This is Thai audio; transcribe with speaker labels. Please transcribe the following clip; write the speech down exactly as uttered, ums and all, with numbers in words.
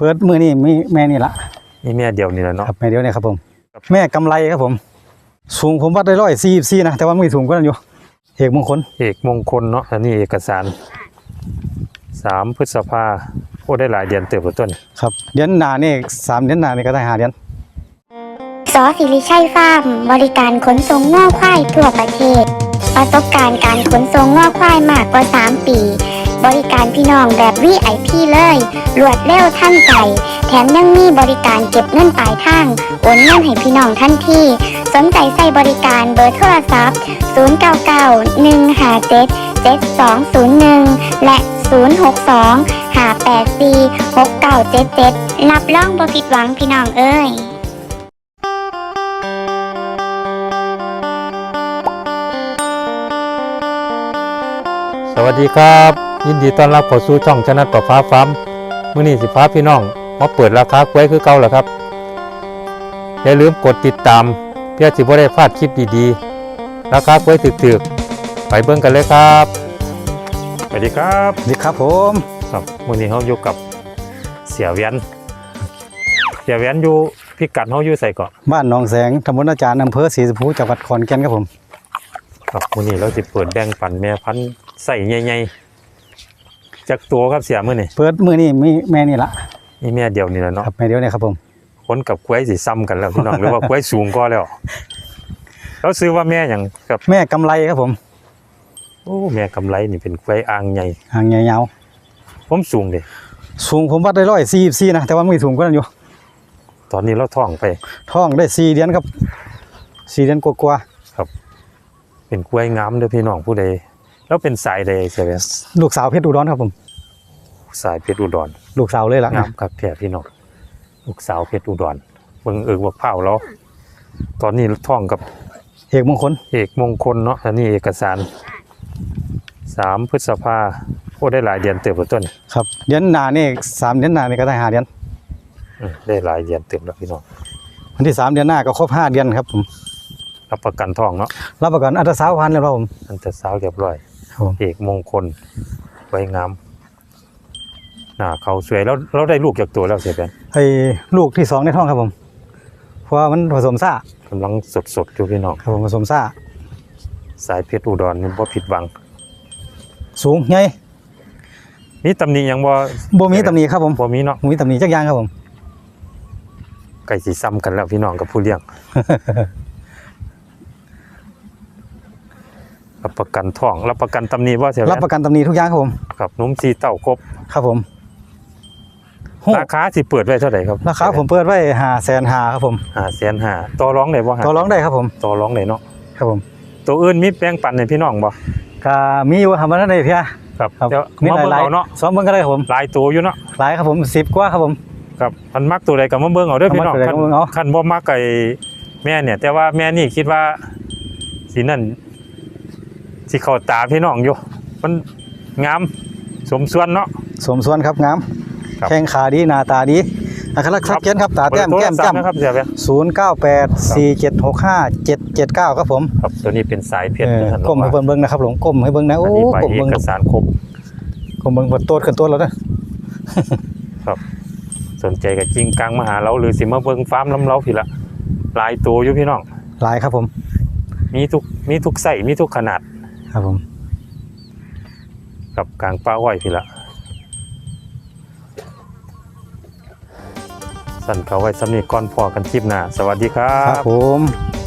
Speaker 1: ปิดมือนี่มีแม่นี่ละ
Speaker 2: นี่แม่เดียวนี่แหละเนาะ
Speaker 1: ครับแม่เดียวเนี่ยครับผมแม่กำไรครับผมสูงผมวัดได้ร้อยสี่สี่นะแต่ว่าไม่สูงก็นั่นอยู่เอกมงคล
Speaker 2: เอกมงคลเนาะอันนี้เอกสารสามพฤษภาโอ้ได้หลายเดือนเติบโตต้น
Speaker 1: ครับเดือนหน้านี่สามเดือนหน้านี่ก็ได้ห้าเดือน
Speaker 3: สอสิริชัยฟาร์มบริการขนส่งง่อควายทั่วประเทศประสบการณ์การขนส่งง่อควายมากกว่าสามปีบริการพี่น้องแบบ วี ไอ พี เลยรวดเร็วทันใจแถมยังมีบริการเก็บเงินปลายทางโอนเงินให้พี่น้องทันทีสนใจใส่บริการเบอร์โทรศัพท์ศูนย์ เก้า เก้า หนึ่ง ห้า เจ็ด เจ็ด สอง ศูนย์ หนึ่งและศูนย์ หก สอง ห้า แปด สี่ หก เก้า เจ็ด เจ็ดรับรองบ่ผิดหวังพี่น้องเอ้ย
Speaker 2: สวัสดีครับยินดีต้อนรับเข้าสู่ช่องชนะประฟ้าฟาร์มมื้อนี้สิพาพี่น้องมาเปิดราคากล้วยคือเก่าแล้วครับอย่าลืมกดติดตามเพื่อสิบ่ได้พลาดคลิปดีๆราคากล้วยถึกๆไปเบิ่งกันเลยครับสวัสดีครับ
Speaker 1: ดีครับผม
Speaker 2: ครับมื้อนี้เฮาอยู่กับเสียเวียนเสียเวียนอยู่พิกัดเฮาอยู่ไสเกาะ
Speaker 1: บ้านหนองแสงตำบลนาจารย์อำเภอศรีสุภูจังหวัดขอนแก่นครับผม
Speaker 2: ครับมื้อนี้เราสิเปิดแบ่งปันแม่พันธุ์ไส้ใหญ่ๆจักตัวครับเสียมื้อนี้
Speaker 1: เปิดมือนี่มีแม่นี่ละ
Speaker 2: นี่แม่เดียวนี่แหละเนาะ
Speaker 1: ครับแม่เดียวเนี่ยครับผม
Speaker 2: คนกับกล้วยสิซ้ำกันแล้วพี่น้อง หรือว่ากล้วยสูงก็แล้วเราซื้อว่าแม่หยังครับ
Speaker 1: แม่กำไรครับผม
Speaker 2: โอ้แม่กำไรนี่เป็นกล้วยอ่างใหญ่
Speaker 1: หางยาว
Speaker 2: ผมสูงเด้
Speaker 1: สูงผมวัดได้ร้อยสี่สี่นะแต่ว่าไม่สูงก็นั่นอยู่
Speaker 2: ตอนนี้เราท้องไป
Speaker 1: ท้องได้สี่เดือนครับสี่เดือนกว่า
Speaker 2: ๆครับเป็นกล้วยงามเด้อพี่น้องผู้ใดแล้วเป็นสายใดเสียเวียน
Speaker 1: ลูกสาวเพชรอุดรครับผม
Speaker 2: สายเพชรอุดร
Speaker 1: ลูกสาวเลยล่ะ
Speaker 2: งามครับแท้พี่น้องลูกสาวเพชรอุดรเบิ่งเอิกว่าเผาแล้วตอนนี้ท้องกับ
Speaker 1: เอกมงคล
Speaker 2: เอกมงคลเนาะอันนี้เอกสารสามพฤษภาโอ้ได้หลายเดือนเติบโตต้น
Speaker 1: ครับเดือนหน้านี่สามเดือนหน้านี่ก็ได้ห้าเดือน
Speaker 2: ได้หลายเดือนเติบแล้วพี่น้อง
Speaker 1: วันที่สามเดือนหน้าก็ครบห้าเดือนครับผม
Speaker 2: รับประกันท้องเนาะ
Speaker 1: รับประกันอัตราสาวพันเลยครับผม
Speaker 2: อัตราสาวเรียบร้อยเอกมงคลไว้งามหน้าเขาสวยแล้วเราได้ลูกจากตัวแล้วเสียเป็น
Speaker 1: ไอ้ลูกที่สองในท้องครับผมเพราะว่ามันผสมซ่าก
Speaker 2: ำลังสดสดอยู่พี่น้อง
Speaker 1: ครับผมผสมซ่า
Speaker 2: สายเพชรอุดรนี่บ่ผิดหวัง
Speaker 1: สูงไง
Speaker 2: มีตำหนิยังบ่
Speaker 1: บ่มีตำหนิครับผม
Speaker 2: บ่มีเนาะ
Speaker 1: มีตำหนิจักอย่างครับผม
Speaker 2: ไก่สีซ้ำกันแล้วพี่น้องกับผู้เลี้ยง รับประกันท้องรับประกันตำหนิว่าเสีย
Speaker 1: รับประกันตำหนิทุกอย่างครับผม
Speaker 2: ครับนุ่มสีเต้าครบ
Speaker 1: ครับผม
Speaker 2: ราคาสิเปิดไว้เท่าไหร่ครับ
Speaker 1: ราคาผมเปิดไว้ห้าแสนห้าครับผม
Speaker 2: ห้าแสนห้าต่อร้องได้บ่
Speaker 1: ต่อร้องได้ครับผม
Speaker 2: ต่อร้องได้เนาะ
Speaker 1: ครับผม
Speaker 2: ตัวอื่นมีแปลงปันให้พี่น้องบ่
Speaker 1: ก็มีอยู่ทำมาได้เพีย
Speaker 2: ครับ
Speaker 1: เดี๋ยวมีหลายๆเนาะซ้อมเบิ่งก็ได้ครับผม
Speaker 2: หลายตัวอยู่เนาะ
Speaker 1: หลายครับผมสิบกว่าครับผม
Speaker 2: ครับพันมักตัวใดก็มาเบิ่งเอาเด้อพี่น้องคันบ่มักไก่แม่เนี่ยแต่ว่าแม่นี่คิดว่าสินั่นสิเข้าตาพี่น้องอยู่มันงามสมส่วนเนาะ
Speaker 1: สมส่วนครับงามแข้งขาดีหน้าตาดีนะครับชัดเจนครับตาแต้มแก้มจ้ำ
Speaker 2: ครับเสียไป
Speaker 1: ศูนย์เก้าแปดสี่เจ็ดหกห้าเจ็ดเจ็ดเก้าครับผม
Speaker 2: ครับตัวนี้เป็นสายเพชร
Speaker 1: ก้มให้เบิ่งนะครับหลงก้มให้เบิ่งนะโอ้ก้มเบิ่ง
Speaker 2: เอกสารครบ
Speaker 1: ก้มเบิ่งบนโต๊ะขึ้นโต๊ะแล้ว
Speaker 2: นะครับสนใจกับจริงกลางมาหาเราหรือสิมาเบิ่งฟาร์มลำเราพี่ละหลายตัวอยู่พี่น้อง
Speaker 1: หลายครับผม
Speaker 2: มีทุกมีทุกไส้มีทุกขนาด
Speaker 1: ครับผม
Speaker 2: กับกลางป่าอ้อยพี่ละสั่นเขาไว้สำนีก่อนพอกันคลิปหน้าสวัสดีครับ
Speaker 1: ครับผม